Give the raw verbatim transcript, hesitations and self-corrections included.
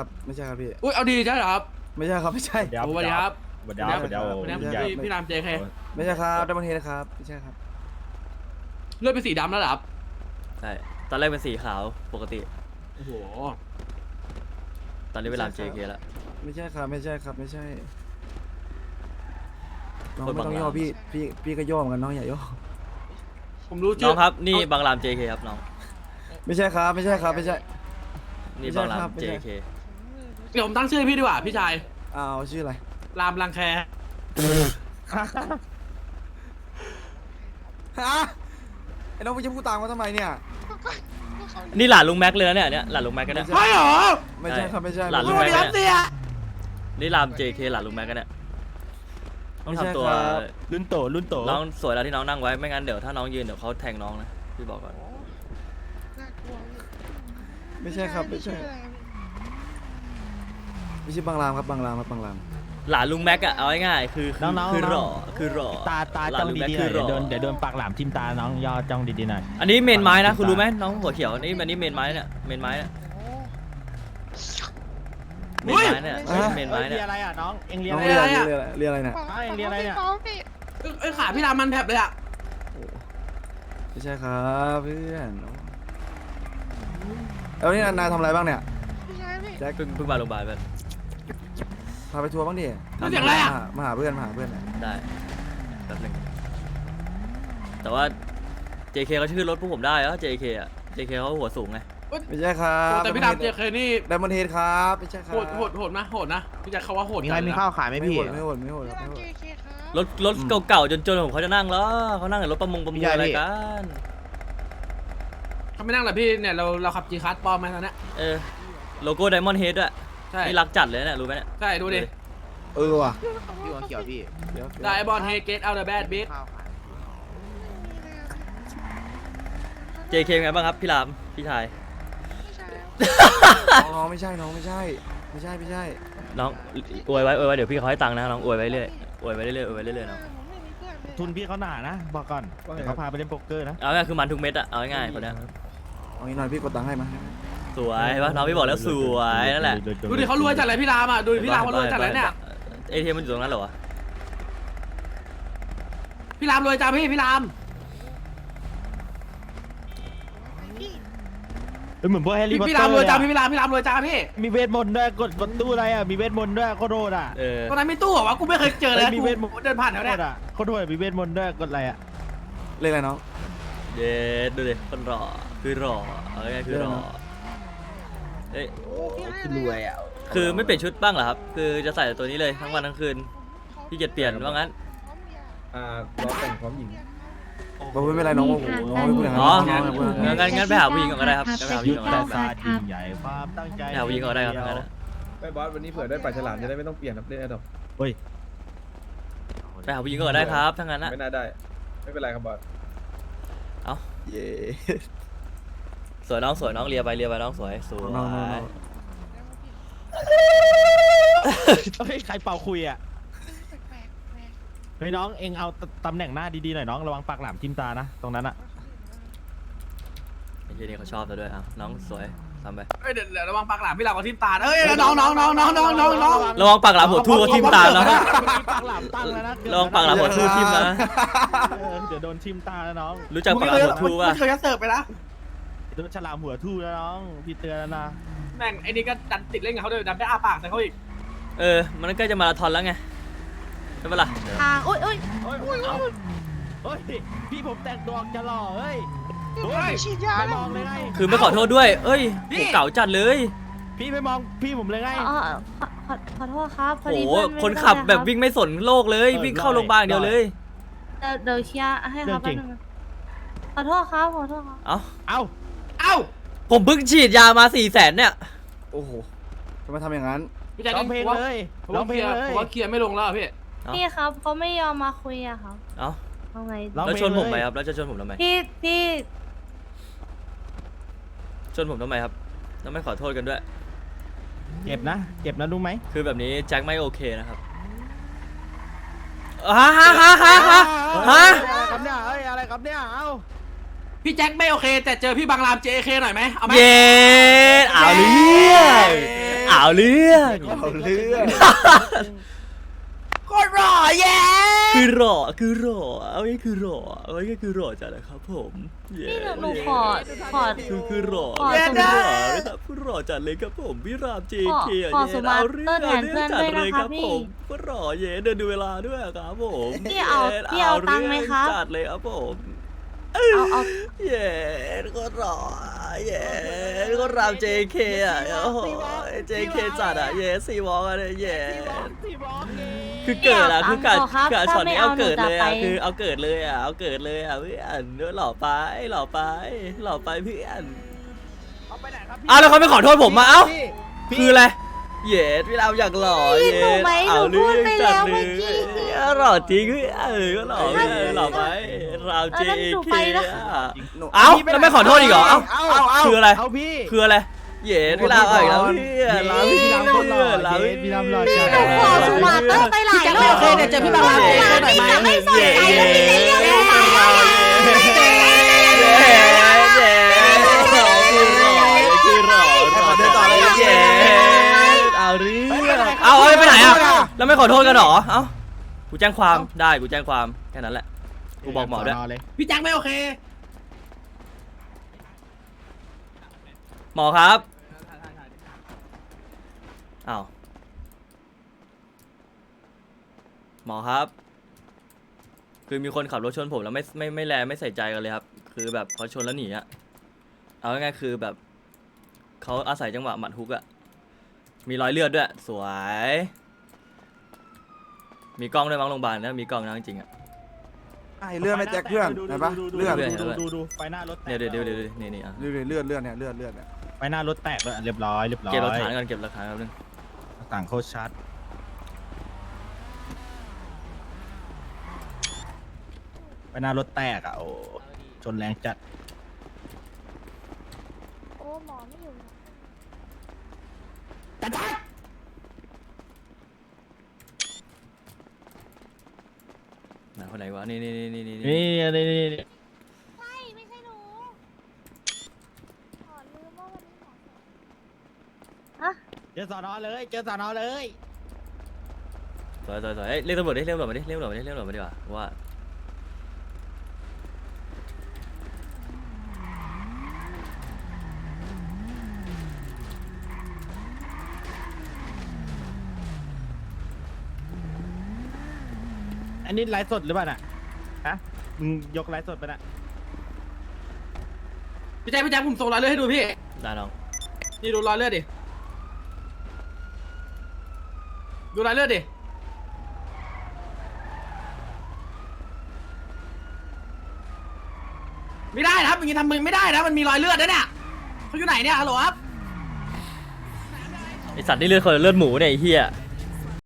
ครับไม่ใช่ครับพี่อุ้ยเอาดีใช่เหรอครับไม่ใช่ครับไม่ใช่เดี๋ยวสวัสดีครับเดี๋ยวเดี๋ยวพี่เดี๋ยวน้ำใหญ่พี่พี่รามเจเคไม่ใช่ครับดับเบิลเฮดครับไม่ใช่ครับเลือดเป็นสีดำแล้วเหรอครับใช่ตอนแรกเป็นสีขาวปกติโอ้โหตอนนี้เวลา เจ เค แล้วไม่ใช่ครับไม่ใช่ครับไม่ใช่น้องคนไม่บางต้องย่อรามพี่พี่พี่ก็ย่อเหมือนกันน้องอย่าย่อผมรู้น้ชื่อองครับนี่บางราม เจ เค ครับน้องไม่ใช่ครับไม่ใช่ครับไม่ใช่นี่ไม่ใช่บางรามครับไม่เจใช่เคเดี๋ยวผมตั้งชื่อให้พี่ดีกว่าพี่ชายเอาชื่ออะไรรามรังแคฮะไอ้น้องพี่จะพูดตามเขาทำไมเนี่ยนี่หลานลุงแม็กเลยนะเนี่ยเนี่ยหลานลุงแม็กกันเนี่ยใช่เหรอไม่ใช่ครับไม่ใช่หลานสลุงวัแม็สกดีครับเสียนี่ราม เจ เค หลานลุงแม็กกันเนี่ยต้องไม่ใช่ทำตัวครับรุ่นโตรุ่นโตน้องสวยแล้วที่น้องนั่งไว้ไม่งั้นเดี๋ยวถ้าน้องยืนเดี๋ยวเขาแทงน้องนะพี่บอกก่อนไม่ใช่ครับไม่ใช่ไม่ใช่บางรามครับบางรามครับบางรามหลานลุงแม็กอะเอาง่ายๆคือคือน้องๆคือหล่อคือหล่อตาตาหลาจ้นองลุงแม็กดีๆหคืน่ออย หล่อเดี๋ยวโดนเดี๋ยวโดนปากหลามทิ่มตาน้องย่อจ้องดีๆหน่อยอันนี้เมนไม้นะปากหลามคุณรู้ไหมทิ่มตาน้องหัวเขียวนี่อันนี้เมนไม้เนี่ยเมนไม้เนี่ยเมนไม้เนี่ยเมนไม้เรีเนี่ย ยอะไรอ่ะน้องเอ็งเรียน้อะองไรเรียอ่ะนเรียนเรียนอะไรเนี่ยเอ็งเรียอะไรเนี่ยเอ้ยขาพี่รามมันแผลบเลยอะไม่ใช่ครับเพื่อนแล้วนี่นายทำอะไรบ้างเนี่ยแจ็คเพิ่งเพิ่งมาโรงพยาบาลไปพาไปทัวร์บ้างดิเสียงอะไรอะมามาหาเพื่อนมาหาเพื่อนหน่อยได้แป๊บนึงแต่ว่า เจ เค เขาชื่อรถพวกผมได้เหรอ เจ เค อะ เจ เค เขาหัวสูงไงไม่ใช่ครับแต่พี่รามเจเคนี่ดับเบิลเฮดครับไม่ใช่ครับโหดโหดโหดนะโหดนะพี่แจ็คเขาว่าโหดมีใครมีข้าวขายไหมไม่พี่โหดไม่โหดไม่โหดครับไม่โหดรถรถเก่าๆจนๆผมเขาจะนั่งเหรอเขานั่งในรถประมงประมูลอะไรกันเขาไม่นั่งหรอพี่เนี่ยเราเราขับจีคัสปลอมมาตอนนี้เออโลโก้ไดมอนด์เฮดอะใช่นี่รักจัดเลยเนี่ยรู้ไหมเนี่ยใช่ดูดิเออว่ะพี่หัวเขียวพี่เดี๋ยวได้บอลเฮเกตเอาเดอะแบดบิ๊กข้าวขายเจ เค เป็นไงบ้างครับพี่รามพี่ชายน้องไม่ใช่น้องไม่ใช่ไม่ใช่ไม่ใช่น้องอวยไว้อวยไว้เดี๋ยวพี่เขาให้ตังค์นะน้องอวยไว้เรื่อยอวยไว้เรื่อยอวยไว้เรื่อยน้องทุนพี่เขาหนานะบอกก่อนเดี๋ยวเขาพาไปเล่นโป๊กเกอร์นะเอาง่ายคือมันทุกเม็ดอะเอาง่ายๆคนเนี้ยเอางี้หน่อยพี่กดตังค์ให้มาสวยปะน้องพี่บอกแล้วสวยนั่นแหละดูดิเขารวยจัดเลยพี่รามอ่ะดูดิพี่รามเขารวยจัดเลยเนี่ยเอทีเอ็มมันอยู่ตรงนั้นเหรอวะพี่รามรวยจังพี่พี่รามเป็นเหมือนพวกแฮร์รี่พี่พอตพี่เตอรามร์รวยเลยจังอะพี่พี่รามพี่รามรวยจังพี่มีเวทมนต์ด้วยกดประตูอะไรอ่ะมีเวทมนต์ด้วยโคตรโหดอ่ะเออตอนนั้นไม่ตู้เหรอวะกูไม่เคยเจอเลยเฮ้ยมีเวทมนต์กูเดินผ่านแถวโคเนี้ยตรอ่ะโคตรโหดมีเวทมนต์ด้วยกดอะไรอ่ะเรียกอะไรน้องเย็ดดูดิคนรอคือรอเอาง่ายๆคือรอเอ้ยคือรวยอ่ะคือไม่เปลี่ยนชุดบ้างเหรอครับคือจะใส่แต่ตัวนี้เลยทั้งวันทั้งคืนพี่เกียจเปลี่ยนว่างั้นอ่าล้อแต่งพร้อมหญิงบอกไม่เป็นไรน้องโอ้โหน้องไม่พูดอย่างอ๋อนั้นน้องไม่พูดอย่างงั้นั้นนงั้นงั้นไปหาผู้หญิงก่อนก็ได้ครับไปหาผู้หยุญิทงก่อนธก็ได้ศาสตร์ยิ่งใหญ่ความตั้งใจไปหาผู้หญิงก่อนก็ได้ครับงั้นอะไม่บอสวันนี้เผื่อได้ปลาฉลามจะได้ไม่ต้องเปลี่ยนครับเล่นแอดดอปเฮ้ยไปหาผู้หญิงก่อนได้ครับทั้งนั้นอะไม่น่าได้ ไม่เป็นไรครับบอสเย้สวยน้องสวยน้องเลียไปเลียไปน้องสวยสวยน้องน้องน้องเฮ้ยใครเป่าคุยอ่ะเฮ้ยน้องเอ็งเอาตำแหน่งหน้าดีๆหน่อยน้องระวังปากหลามทิ่มตานะตรงนั้นอ่ะไอ้เหี้ยนี่เขาชอบเราด้วยอ่ะน้องสวยทำไปเอ้ยเดี๋ยวเดี๋ยวระวังปากหลามพี่รามกับทิมตาเอ้ยน้องน้องน้องน้องน้องน้องน้องระวังปากหลามหัวทู่ก็ทิ่มตาแล้วนะปากหลามตั้งแล้วนะระวังปากหลามหัวทู่ทิ่มนะเออเดี๋ยวโดนทิ่มตาแล้วน้องรู้จักปากหลามหัวทู่ป่ะไม่เคยจะเสิร์ฟไปนะโดนฉลามหัวทู่แล้วน้องพี่เตือนแล้วนะแม่งไอ้นี่ก็ดันติดเล่นกับเขาด้วยดันได้อาปากใส่เขาอีกเออมันใกล้จะมาราธอนแล้วไงใช่ปะล่ะทางอุ้ยอุ้ยโอ้ยโอ้ยเฮ้ยพี่ผมแต่งตัวจะหล่อเฮ้ยเฮ้ยไม่มองเลยไงคือไม่ขอโทษด้วยเอ้ยผมเก่าจัดเลยพี่ไม่มองพี่ผมเลยไงอ๋อขอขอขอโทษครับพอโอ้ดีโหเพื่อนไม่คนได้ขับแบบครับวิ่งไม่สนโลกเลยวิ่งเข้าโรงพยาบาลอย่างเดียวเลยเดี๋ยวเดี๋ยวเคลียร์ให้ครับแป๊บนึงนะขอโทษครับขอโทษครับเอ้าเอ้าเอ้าผมเพิ่งฉีดยามาสี่แสนเนี่ยโอ้โหทำไมทำอย่างนั้นพี่แจ็คร้องเพลงเลยผมร้อว่าง เคเพลลีงยร์เลยผมว่าเคลียร์ไม่ลงแล้วอะพี่เอ้าพี่ครับเขาไม่ยอมมาคุยอะครับเอ้าเอาไงร้องแล้วเพลงชนผมเลยไหมครับแล้วจะชนผมทำไมพี่พี่ชนผมทำไมครับแล้วไม่ขอโทษกันด้วยเจ็บนะเจ็บนะรู้ไหมคือแบบนี้แจ็คไม่โอเคนะครับฮะฮะฮะฮะฮะฮะอะไรครับเนี่ยเอ้ยอะไรครับเนี่ยเอ้าพี่แจ็คไม่โอเค แต่เจอพี่บางราม เจ เค หน่อยไหมเอาไหมเย็ดเอาเรื่องเอาเรื่องเอาเรื่องโคตรหล่อเย้คือหล่อคือหล่อเอาง่ายคือหล่อเอาง่ายคือหล่อจัดนะครับผมเย้นี่หนูหนูขอขอคือคือหล่อขอคือสหมาล่อร์ทนะครับคือหล่อจัดเลยครับผมพี่รามเจขอเคขอเย้สมาร์ทเอาเรื่องแทนเพื่อนจัดด้วยเลยนะคคะรับพี่ผมก็หล่อเย้เดินดูเวลาด้วยครับผมพี่เอาย้พี่เอาตังค์ไหมครับจัดเลยครับผมเอาเอาเย้ก็หล่อเย้ก็รามเจเคอ่ะโอ้โหเจเคจัดอ่ะเย้ซีวอลกันเลยเย้ที่บอกเองคือเกิดอะคือการเอาครับการถ้าช็อตไม่นี้เอาเอาเกิดเลยอะหนูจะไปคือเอาเกิดเลยอะเอาเกิดเลยอะเพื่อนเนื้อหล่อไปหล่อไปหล่อไปเพื่อนเอาไปไหนครับพี่อ้าวแล้วเขาไม่ขอโทษผมมาเอ้าพี่คืออะไรเย็ดพี่เราอยากหล่อพี่เย็หนูดไหมหนูเอาพูเรื่ดองไปจัดแล้วเลเมื่อย กี้หล่อจริงเพื่อนก็หล่อเพื่อนหล่อไปเราเอาเจงั้นหนูเคไปนะเอ้าแล้วไม่ขอโทษอีกเหรอเอ้าเอาเอาเอาคืออะไรเอาพี่คืออะไรเย็ดพี่เราเอาอีกแล้วเพื่อนเราพี่พี่รามเราคนหล่อเราเย้พี่รามหล่อจัดหนูขอสมาร์ทเตอร์ไปหลายรอบโอเคเนี่ยเจอพี่บางรามเจอหน่อยไหมไม่สนใจแล้วพี่จะเรียกหนูมาว่าอะไรเย้เย้คือหล่อคือหล่อหล่อจัดเลยเย้เอาเรื่องเอาเอาไปไหนอ่ะแล้วไม่ขอโทษกันเหรอเอ้ากูแจ้งความได้กูแจ้งความแค่นั้นแหละกูบอกหมอด้วยสนเลยพี่แจ็คไม่โอเคหมอครับอ้าวหมอครับ คือมีคนขับรถชนผมแล้วไม่ไม่ไม่แลไม่ใส่ใจกันเลยครับ คือแบบเขาชนแล้วหนีอะเอาง่ายๆคือแบบเขาอาศัยจังหวะหมัดฮุกอะมีรอยเลือดด้วย สวย มีกล้องด้วยมั้งโรงพยาบาลนะมีกล้องนะจริงๆอะไอ้เลือดไม่แจ็คเพื่อนเห็นปะเลือดเลือดดูดูดูไฟหน้ารถแตกเนี่ยเดี๋ยวเดี๋ยวเดี๋ยวนี่นี่อ่ะเลือดเลือดเลือดเนี่ยเลือดเลือดเนี่ยไฟหน้ารถแตกเลยเรียบร้อยเรียบร้อยเก็บหลักฐานก่อนเก็บหลักฐานแป๊บนึงต่างโคตรชัดไฟหน้ารถแตกอ่ะโอ้ชนแรงจัดโอ้หมอไม่อยู่ไหนคนไหนวะนี่นี่นี่นี่นี่นี่นี่นี่นี่ใช่ไม่ใช่หนูขอลืมว่าวันนี้หมอฮะเจอสอนอเลยเจอสอนอเลยสวยสวยสวยเอ้ยเรียกตำรวจดิเรียกตำรวจมาดิเรียกตำรวจมาดิเรียกตำรวจมาดีกว่าว่าอันนี้ไลฟ์สดหรือเปล่าน่ะฮะมึงยกไลฟ์สดไปน่ะพี่แจ็คพี่แจ็คผมส่งรอยเลือดให้ดูพี่ได้น้องนี่ดูรอยเลือดดิ ดูรอยเลือดดิ ไม่ได้นะครับอย่างนี้ทำมึงไม่ได้นะ มันมีรอยเลือดนะเนี่ยเขาอยู่ไหนเนี่ยฮัลโหลครับไอสัตว์นี่เลือดคนหรือเลือดหมูเนี่ยไอ้เหี้ย